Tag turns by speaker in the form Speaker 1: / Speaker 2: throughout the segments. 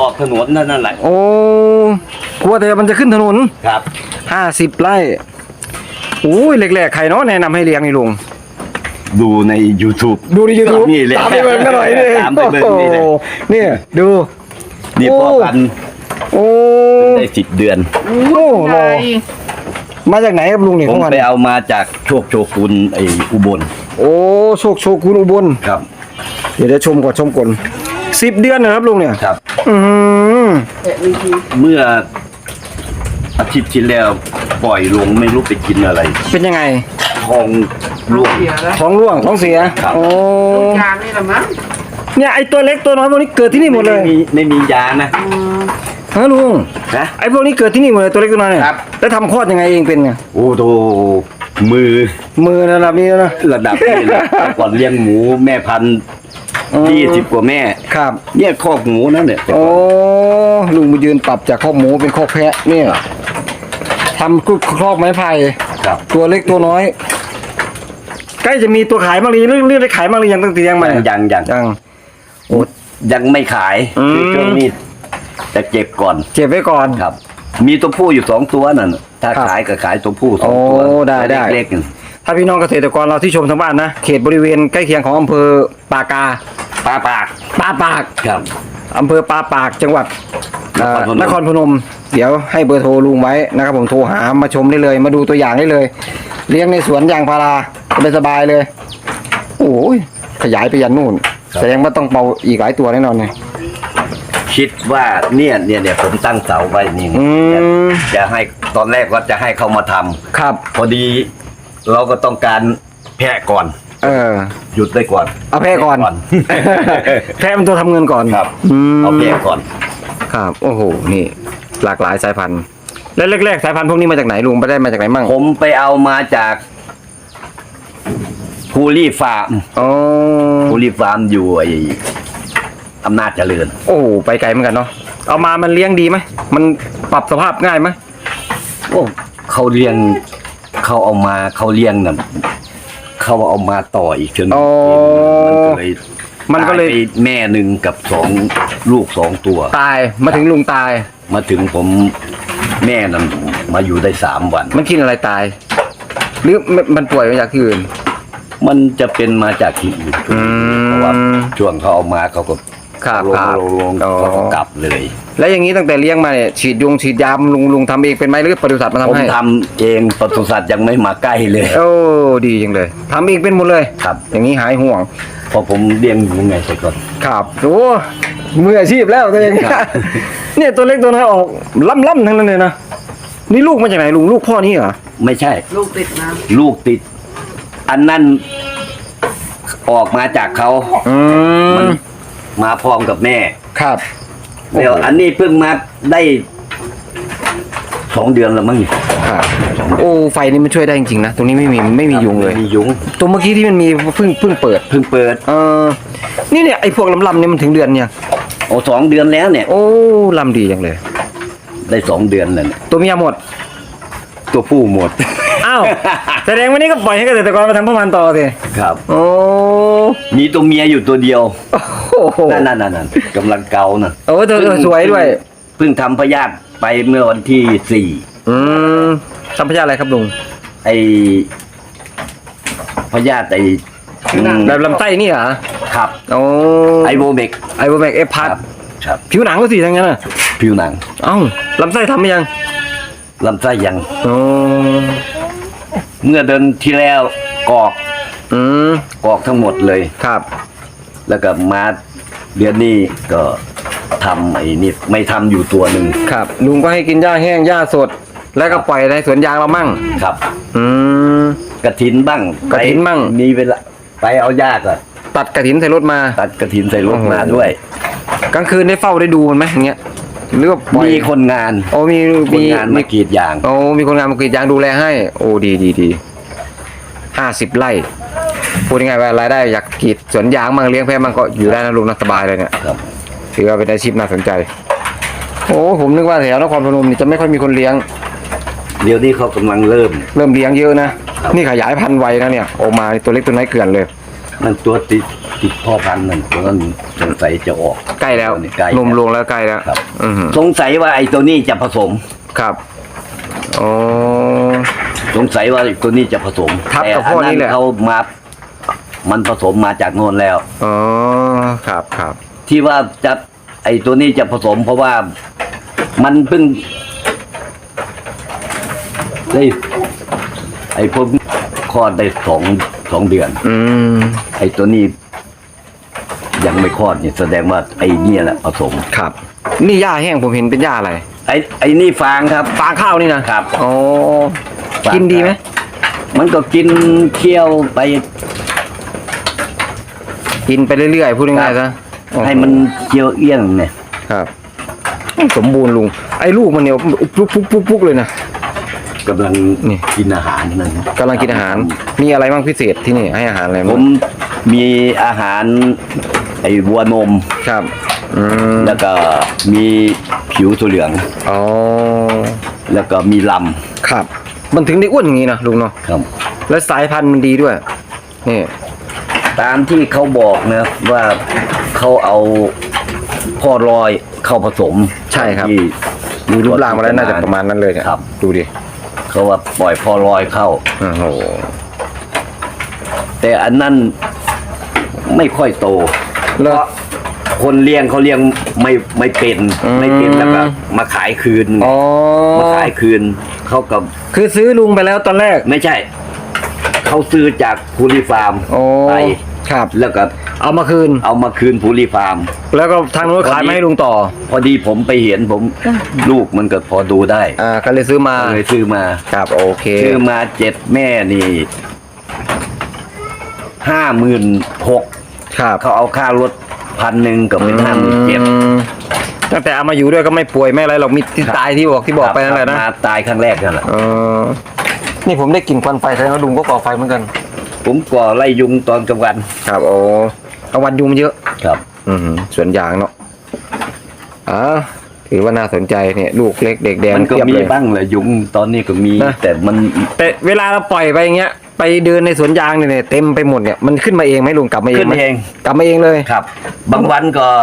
Speaker 1: ออกถนนนั่นแหละ
Speaker 2: โอ้กลัวแต่มันจะขึ้นถนน
Speaker 1: ครับ
Speaker 2: 50 ไร่โอ้ยแรกๆใครเนาะแนะนำให้เลี้ยงนี่ลุง
Speaker 1: ดูใน YouTube
Speaker 2: ดูใน YouTube
Speaker 1: นี่เลย
Speaker 2: ตามไปเบิ่งกันหน่อยนี่
Speaker 1: ตามไปเบิ่งนี่เลย
Speaker 2: นี่ดู
Speaker 1: นี่พ่อพันธุ์
Speaker 2: โอ้
Speaker 1: ได้10 เดือน
Speaker 2: โอ้โหมาจากไหนครับลุงนี่
Speaker 1: ผม
Speaker 2: ของมัน
Speaker 1: ไปเอามาจากโชกุนไอ้อุบล
Speaker 2: โอ้โชคุณอุบล
Speaker 1: ครับ
Speaker 2: เดี๋ยวชมก่อน10 เดือนนะครับลุงเนี่ย
Speaker 1: ครับเมื่ออาทิตย์ที่แล้วปล่อยลงไม่รู้ไปกินอะไร
Speaker 2: เป็นยังไง
Speaker 1: ท้องร่วง
Speaker 2: ท้องเสียโอ้
Speaker 3: ยานี่แหละมั้ง
Speaker 2: เนี่ยไอตัวเล็กตัวน้อยพวกนี้เกิดที่นี่หมดเลย
Speaker 1: ไม่มียานะ
Speaker 2: ฮะลุง
Speaker 1: นะ
Speaker 2: ไอพวกนี้เกิดที่นี่หมดเลยตัวเล็กตัวน้อยเนี่ยแล้วทำคลอดยังไงเองเป็นไง
Speaker 1: โอ้โหมือ
Speaker 2: ระดับนี้นะ
Speaker 1: ระดับนี้นะก่อนเลี้ยงหมูแม่พันธุ์20 กว่าแม่
Speaker 2: ครับ
Speaker 1: เนี่ยคอกหมูนั่นเนี่ย
Speaker 2: โอ้ลุงมายืนปรับจากคอกหมูเป็นคอกแพะเนี่ยทำครอบไม้ไผ่ตัวเล็กตัวน้อยใกล้จะมีตัวขายบ้างหรือเรื่องได้ขายบ้างหรือยังตั้งแต่ยังมา
Speaker 1: ยังโอ้ยังไม่ขายช่วงนี้จะเก็บก่อน
Speaker 2: เก็บไว้ก่อน
Speaker 1: ครับมีตัวผู้อยู่2 ตัวนั่นถ้าขายก็ขายตัวผู้2 ตัว
Speaker 2: ได้
Speaker 1: เล็ก
Speaker 2: ถ้าพี่น้องเกษตรกรเราที่ชมทางบ้านนะเขตบริเวณใกล้เคียงของอำเภอปากา
Speaker 1: ปาปากครับ
Speaker 2: อำเภอปาปากจังหวัดนครพนมเดี๋ยวให้เบอร์โทรลุงไว้นะครับผมโทรหามาชมได้เลยมาดูตัวอย่างได้เลยเลี้ยงในสวนยางพาราสบายเลยโอ้ยขยายไปยันนู่นแสดงว่าต้องเป่าอีกหลายตัวแน่นอนเนี่ย
Speaker 1: คิดว่าเนี่ยผมตั้งเสาไว้นี่จะให้ตอนแรกก็จะให้เขามาทำ
Speaker 2: ครับ
Speaker 1: พอดีเราก็ต้องการแพะก่อนหยุดได้ก่อน
Speaker 2: เอาแพะก่อนแพะมันตัวทำเงินก่อน
Speaker 1: ครับเอาแพะก่อน
Speaker 2: ครับโอ้โหนี่หลากหลายสายพันธุ์แล้วแรกๆสายพันธุ์พวกนี้มาจากไหนลุงไปได้มาจากไหนมั่ง
Speaker 1: ผมไปเอามาจากภูรีฟาร์มภูรีฟาร์มอยู่ไอ้อำนาจเจริญ
Speaker 2: โอ้ไปไกลเหมือนกันเนาะเอามามันเลี้ยงดีไหมมันปรับสภาพง่ายไหม
Speaker 1: โอ้เขาเลี้ยงเขาเอามาเขาเลี้ยงน่ะเขาเอามาต่ออีกจนมันก็เลยแม่หนึ่งกับลูก2 ตัว
Speaker 2: ตายมาถึงลุงตาย
Speaker 1: มาถึงผมแม่นั้นมาอยู่ได้3 วัน
Speaker 2: มันกินอะไรตายหรือมันป่วยมาจากที่อื่น
Speaker 1: มันจะเป็นมาจากที่อื่นเพราะว่าช่วงเขาเอามาเขาก็ลงเขาก็กลับเลย
Speaker 2: แล้วอย่างนี้ตั้งแต่เลี้ยงมาเนี่ยฉีดยาลุงทำเองเป็นไหมหรือปศุสัตว์มาทำให้
Speaker 1: ผมทำเองปศุสัตว์ยังไม่มาใกล้เลย
Speaker 2: โอ้ดีจังเลยทำเองเป็นหมดเลย
Speaker 1: ครับ
Speaker 2: อย่างนี้หายห่วง
Speaker 1: พอผมเลี้ยงอยู่ไงแต่ก่อน
Speaker 2: ครับโอ้มืออาชีพแล้วตัวเองเนี่ยตัวเล็กตัวน้อยออกล่ำทั้งนั้นเลยนะนี่ลูกมาจากไหนลุงลูกพ่อนี่เหรอ
Speaker 1: ไม่ใช่
Speaker 3: ลูกติดนะ
Speaker 1: ลูกติดอันนั้นออกมาจากเขามันมาพร้อมกับแม่
Speaker 2: ครับ
Speaker 1: เดี๋ยวอันนี้เพิ่งมาได้2 เดือนแล้วมั้ง
Speaker 2: ครับโอ้ไฟนี่มันช่วยได้จริงๆนะตรงนี้ไม่มียุงเลย
Speaker 1: มียุง
Speaker 2: ตัวเมื่อกี้ที่มันมีเพิ่งเปิดนี่เนี่ยไอ้พวกลำเนี่ยมันถึงเดือนเนี่ย
Speaker 1: โอ้2 เดือนแล้วเนี่ย
Speaker 2: โอ้ลำดีจังเลย
Speaker 1: ได้2 เดือนแล้ว
Speaker 2: ตัวเมียหมด
Speaker 1: ตัวผู้หมด
Speaker 2: อ้าวแสดงวันนี้ก็ปล่อยให้เกษตรกรมาทำพ่อพันธุ์ต่อสิ
Speaker 1: ครับ
Speaker 2: โอ้
Speaker 1: มีตัวเมียอยู่ตัวเดียวนั่นกำลังเกาน่ะ
Speaker 2: โอ้เธอสวยด้วย
Speaker 1: เพิ่งทำพยาธิไปเมื่อวันที่4
Speaker 2: ทำพยาธิอะไรครับลุง
Speaker 1: ไอพยาธิ
Speaker 2: แบบลำไส้นี่เหรอ
Speaker 1: ครับ
Speaker 2: โอ้
Speaker 1: ไอโบเมก
Speaker 2: เอฟพัด
Speaker 1: ครับ
Speaker 2: ผิวหนังก็สิทั้งนั้นน่ะ
Speaker 1: ผิวหนัง
Speaker 2: ลำไส้ทำยัง
Speaker 1: ลำไส้ยังเมื่อเดือนที่แล้วกอกทั้งหมดเลย
Speaker 2: ครับ
Speaker 1: แล้วก็มาเดือนนี้ก็ทำไอ้นี่ไม่ทำอยู่ตัวหนึ่ง
Speaker 2: ครับลุงก็ให้กินหญ้าแห้งหญ้าสดแล้วก็ปล่อยในสวนยางเรามั่ง
Speaker 1: ครับกระถินบ้างมีเวลาไปเอาหญ้าก็
Speaker 2: ตัดกระถินใส่รถมา
Speaker 1: ด้วย
Speaker 2: กลางคืนได้เฝ้าได้ดูมันไหมอย่างเงี้ยหรือว่า
Speaker 1: มีคนงาน
Speaker 2: มี
Speaker 1: คนงานมากรีดยาง
Speaker 2: มีคนงานมากรีดยางดูแลให้โอ้ดี50 ไร่พูดยังไงว่ารายได้อยากกรีดสวนยางมั่งเลี้ยงแพะมั่งก็อยู่ได้นะลุงนะสบายเลยเนี่ยถือว่าเป็นอาชีพน่าสนใจโอ้ผมนึกว่าแถวนครพนมนี่จะไม่ค่อยมีคนเลี้ยง
Speaker 1: เดี๋ยวนี้เขากำลังเริ่ม
Speaker 2: เลี้ยงเยอะนะนี่ขยายพันธุ์ไวนะเนี่ยออกมาตัวเล็กตัวน้อยเกลื่อนเลย
Speaker 1: นั่นตัวติดพ่อพันธุ์นั่นตัวนั้นสงสัยจะออก
Speaker 2: ใกล้แล้ว
Speaker 1: ใกล้
Speaker 2: นมลงแล้วใกล้แล้ว
Speaker 1: ครับ
Speaker 2: อือหือ
Speaker 1: สงสัยว่าไอ้ตัวนี้จะผสม
Speaker 2: ครับอ๋อ
Speaker 1: สงสัยว่าไอ้ตัวนี้จะผสม
Speaker 2: ทับกับ
Speaker 1: แต่
Speaker 2: พ่อนี่แหละ
Speaker 1: เขามามันผสมมาจากโน่นแล้ว
Speaker 2: อ๋อครับครับ
Speaker 1: ที่ว่าจะไอ้ตัวนี้จะผสม เพราะว่ามันเพิ่งได้ไอ้พวกคลอดได้สองเดือน
Speaker 2: อืม
Speaker 1: ไอ้ตัวนี้ยังไม่คลอดเนี่ยแสดงว่าไอ้เนี่ยแหละผสม
Speaker 2: ครับ นี่หญ้าแห้งผมเห็นเป็นหญ้าอะไร
Speaker 1: ไอ้นี่ฟางครับ
Speaker 2: ฟางข้าวนี่นะครับ อ๋อ
Speaker 1: ฟาง
Speaker 2: กินดีไหม
Speaker 1: มันก็กินเคี้ยวไป
Speaker 2: กินไปเรื่อยๆพูดง่ายๆซะ
Speaker 1: ให้มันเคี้ยวเอี้ยงเนี่ย
Speaker 2: ครับสมบูรณ์ลุงไอ้ลูกมันเนี่ยปุ๊กเลยนะ
Speaker 1: กำลัง
Speaker 2: นี่
Speaker 1: กินอาหารนั่นนะ
Speaker 2: กำลังกินอาหาร มีอะไรบ้างพิเศษที่นี่ให้อาหารอะไร
Speaker 1: ผ
Speaker 2: บ้าง
Speaker 1: มมีอาหารไอ้วัวนม
Speaker 2: ครับอืม
Speaker 1: แล้วก็มีผิวตัวเหลือง
Speaker 2: อ๋อ
Speaker 1: แล้วก็มีล
Speaker 2: ครับ มันถึงได้อ้วนอย่างนี้นะลุงเนาะ
Speaker 1: ำครับ
Speaker 2: แล้วสายพันธุ์มันดีด้วยนี่
Speaker 1: ตามที่เขาบอกนะว่าเขาเอาพ่อรอยเข้าผสม
Speaker 2: ใช่ครับ
Speaker 1: ที่
Speaker 2: มีรูปร่างมาแล้วน่าจะประมาณนั้นเลยเนี่ย
Speaker 1: ครับ
Speaker 2: ดูดิ
Speaker 1: เขาว่าปล่อยพ่อรอยเข้า
Speaker 2: โอ้โห
Speaker 1: แต่อันนั้นไม่ค่อยโต
Speaker 2: แล้ว
Speaker 1: คนเลี้ยงเขาเลี้ยงไม่เป็น
Speaker 2: อืม
Speaker 1: ไม่เป็นแล้วก็มาขายคืน
Speaker 2: อ๋อ
Speaker 1: มาขายคืนเขากับ
Speaker 2: คือซื้อลุงไปแล้วตอนแรก
Speaker 1: ไม่ใช่ เขาซื้อจากพูลีฟาร์ม
Speaker 2: โอ้
Speaker 1: ไป
Speaker 2: ครับ
Speaker 1: แล้วก็
Speaker 2: เอามาคืน
Speaker 1: เอามาคืนพูลีฟาร์ม
Speaker 2: แล้วก็ทางนู้นขายมาให้ลุงต่อ
Speaker 1: พอดีผมไปเห็นลูกมันก็พอดูได้
Speaker 2: ก็เลยซื้อมา
Speaker 1: เลยซื้อมา
Speaker 2: ครับโอเค
Speaker 1: ซื้อมา7 แม่นี่56,000
Speaker 2: ครับ
Speaker 1: เขาเอาค่ารถ1,000ก็เป็น57,000
Speaker 2: ตั้งแต่เอามาอยู่ด้วยก็ไม่ป่วยไม่อะไรหรอกมีที่ตายที่บอกไปนั่นแหละนะ
Speaker 1: มาตายครั้งแรกนั่นแหละ
Speaker 2: นี่ผมได้กลิ่นควันไฟแสดงว่าลุงก็ก่อไฟเหมือนกัน
Speaker 1: ผมก่อไล่ยุงตอนกลางวัน
Speaker 2: ครับโอ้กลางวันยุงมันเยอะ
Speaker 1: ครับ
Speaker 2: สวนยางเนาะถือว่าน่าสนใจเนี่ยลูกเล็กเด็กแดง
Speaker 1: มันก็
Speaker 2: เทียบ
Speaker 1: มี
Speaker 2: เลย
Speaker 1: บ้างแหละยุงตอนนี้ก็มี
Speaker 2: นะ
Speaker 1: แต่มัน
Speaker 2: แต่เวลาเราปล่อยไปอย่างเงี้ย ไปเดินในสวนยางเนี่ยเต็มไปหมดเนี่ยมันขึ้นมาเองไหมลุงกลับมาเอง
Speaker 1: ขึ้น
Speaker 2: ไหม
Speaker 1: เอง
Speaker 2: กลับมาเองเลย
Speaker 1: ครับ บางวันก็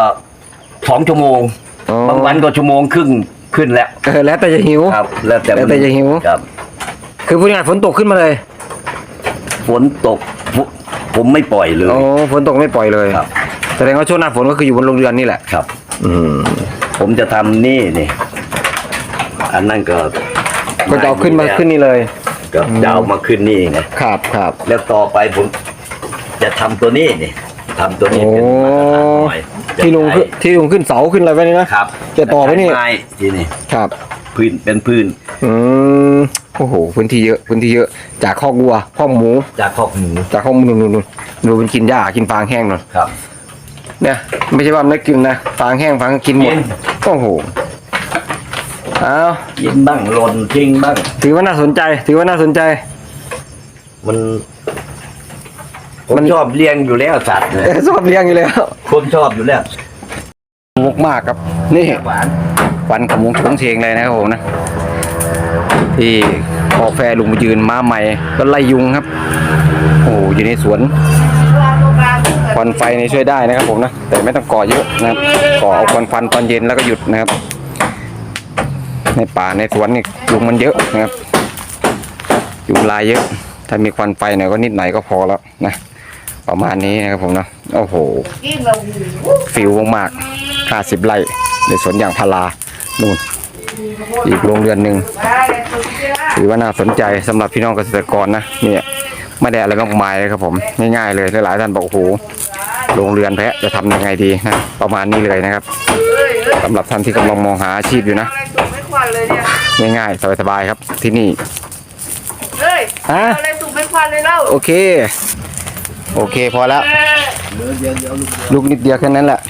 Speaker 1: 2 ชั่วโมง
Speaker 2: อ๋อ
Speaker 1: บางวันก็ชั่วโมงครึ่งขึ้นแล้ว
Speaker 2: แล้วแต่จะหิว
Speaker 1: ครับ แล้วแต่
Speaker 2: แล้วแต่จะหิว
Speaker 1: ครับ
Speaker 2: คือพูดง่ายๆฝนตกขึ้นมาเลย
Speaker 1: ฝนตกผมไม่ปล่อยเลย
Speaker 2: โอ้ฝนตกไม่ปล่อยเลย
Speaker 1: ครับ
Speaker 2: แสดงว่าช่วงหน้าฝนก็คืออยู่บนโรงเรือนนี่แหละ
Speaker 1: ครับ
Speaker 2: อืม
Speaker 1: ผมจะทำนี่อันนั้นก็
Speaker 2: ก็จะเอาขึ้นมาขึ้นนี่เลย
Speaker 1: ก็จะเอามาขึ้นนี่ไง
Speaker 2: ครับครับ
Speaker 1: แล้วต่อไปผมจะทำตัวนี้ทำตัวนี้เป็นมาตรฐานหน่อยจะ
Speaker 2: ที่ลุง
Speaker 1: ใช้
Speaker 2: ที่ลุงขึ้นเสาขึ้นอะไรไว้นี่นะครับ จะต่อไว้นี่
Speaker 1: ใช้ม้ที่นี่
Speaker 2: ครับ
Speaker 1: พื้นเป็นพื้น
Speaker 2: อืมโอ้โหพื้นที่เยอะพื้นที่เยอะจากคอกวัวคอกหมู
Speaker 1: จากคอกหมู
Speaker 2: จากคอกหมูนู่นดูมันกินหญ้ากินฟางแห้งหน่อย
Speaker 1: ครับ
Speaker 2: เนี่ยไม่ใช่ว่าไม่กินนะฟางแห้งฟางกินหมด
Speaker 1: กิน
Speaker 2: โอ้โหเอา
Speaker 1: กินบ้างหล่นทิ้งบ้าง
Speaker 2: ถือว่าน่าสนใจถือว่าน่าสนใจ
Speaker 1: มันผมชอบเลี้ยงอยู่แล้วสัตว์เนี่ย
Speaker 2: ชอบเลี้ยงอยู่แล้ว
Speaker 1: ผมชอบอยู่แล้ว
Speaker 2: มุกมากครับ นี่
Speaker 1: หวาน
Speaker 2: ควันขโมงโฉงเฉงเลยนะครับผมนะที่พอแฟลุงมายืนมาใหม่ก็ไล่ยุงครับ โอ้โหอยู่ในสวนควันไฟนี่ช่วยได้นะครับผมนะแต่ไม่ต้องก่อเยอะนะครับก่อเอาควันฟันตอนเย็นแล้วก็หยุดนะครับ ในป่าในสวนนี่ยุงมันเยอะนะครับยุงลายเยอะ ถ้ามีควันไฟหน่อยก็นิดหน่อยก็พอแล้วนะประมาณนี้นะครับผมนะโอ้โหฟิวมากๆ50 ไร่ในสวนยางพารานู่นอีกโรงเรือนหนึ่งถือว่าน่าสนใจสำหรับพี่น้องเกษตรกรนะเนี่ยไม่ได้อะไรมากมายเลยครับผมง่ายๆเลยหลายๆท่านบอกโอ้โหโรงเรือนแพะจะทำยังไงดีนะประมาณนี้เลยนะครับสำหรับท่านที่กำลังมองหาอาชีพอยู่นะง่ายๆสบายๆครับที่นี่
Speaker 3: เฮ้ย
Speaker 2: ฮะ
Speaker 3: อะไรสุกเป็นควันเลยเล่า
Speaker 2: โอเคพอแล้วลูกนิดเดียวแค่นั้นแหละ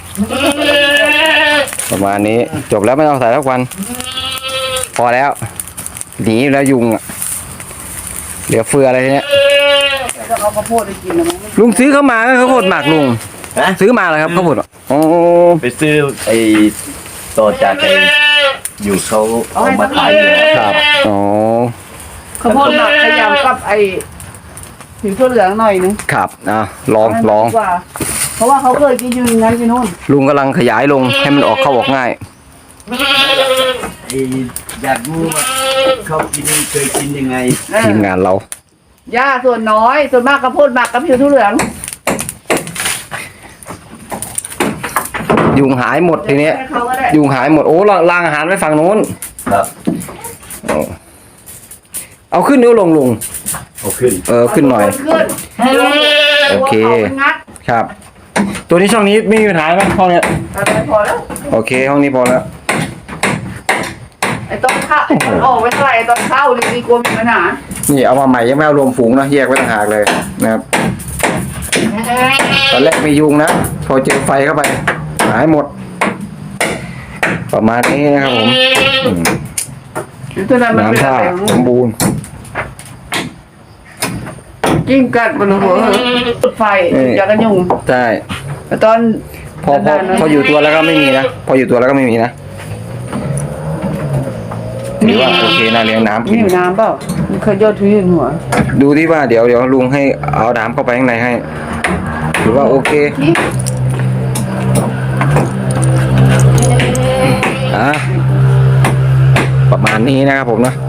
Speaker 2: ประมาณนี้จบแล้วไม่ต้องใส่ทุกวัน พอแล้วหนีแล้วยุงอ่ะเหลือเฟืออะไรทีเนี้ย
Speaker 3: จะเอาข้าวโพดไปกินนะมั้ง
Speaker 2: ลุงซื้อเข้ามาก็ข้าวโพดหมักลุง
Speaker 1: ฮะ
Speaker 2: ซื้อมาเหรอครับข้าวโพดอ๋อ
Speaker 1: ไปซื้อไอ้ต่อจากไอ้อยู่เขาเอามาขายอยู่แล้ว
Speaker 2: ครับอ๋อ
Speaker 3: ข้าวโพดหมักขยำกับไอ้ผิวทั่วเหลืองหน่อยนึง
Speaker 2: ครับลอง
Speaker 3: ให้มันดีกว่าเพราะว่าเขาเคยกินอยู่อย่างนั้นที่นู่น
Speaker 2: ลุงกำลังขยายลงให้มันออกเข้าออกง่าย
Speaker 1: อยากรู้ว่าเขากินเคยกินยังไง
Speaker 2: ทีมงานเรา
Speaker 3: หญ้าส่วนน้อยส่วนมากข้าวโพดหมักกับผิวทั่วเหลือง
Speaker 2: ยุงหายหมดทีเนี้ย
Speaker 3: ให้เขาก็ได้
Speaker 2: ยุงหายหมดโอ้รางอาหารไว้ฝั่งนู้น
Speaker 1: ครับ
Speaker 2: เอาขึ้นเดี๋ยวลง
Speaker 1: เอาขึ้น
Speaker 2: ขึ้นหน่อย
Speaker 3: ขึ้น
Speaker 2: โอเค
Speaker 3: หัวขามันงัด
Speaker 2: ครับ ตัวนี้ช่องนี้ไม่มีปัญหาไหมห้องเนี้ย
Speaker 3: อะไรพอแล้ว
Speaker 2: โอเคห้องนี้พอแล้ว
Speaker 3: ไอ้ตอนเข้าไอ้ตอนออกไม่เท่าไหร่ไอ้ตอนเข้าเลยดีกลัวมีปัญหา
Speaker 2: นี่เอามาใหม่ยังไม่เอารวมฝูงนะแยกไว้ต่างหากเลยนะครับตอนแรกมียุงนะพอเจอไฟเข้าไปหายหมด ประมาณนี้นะครับผมอืม
Speaker 3: ตัวนั้นมันเป็น
Speaker 2: น้ำท่า
Speaker 3: อะไร
Speaker 2: สมบูรณ์
Speaker 3: กิ้งกัดบนหัวจุดไฟอยากกันยุง
Speaker 2: ใช่
Speaker 3: แต่ตอน
Speaker 2: พออยู่ตัวแล้วก็ไม่มีนะพออยู่ตัวแล้วก็ไม่มีนะถือว่าโอเคนะเลี้ยงน้ำกิ
Speaker 3: มี
Speaker 2: น
Speaker 3: อยู่น้ำเปล่ามันเคยยอดทุยหัว
Speaker 2: ดูที่ว่าเดี๋ยวลุงให้เอาน้ำเข้าไปข้างในให้ถือว่าโอเคประมาณนี้นะครับผมนะ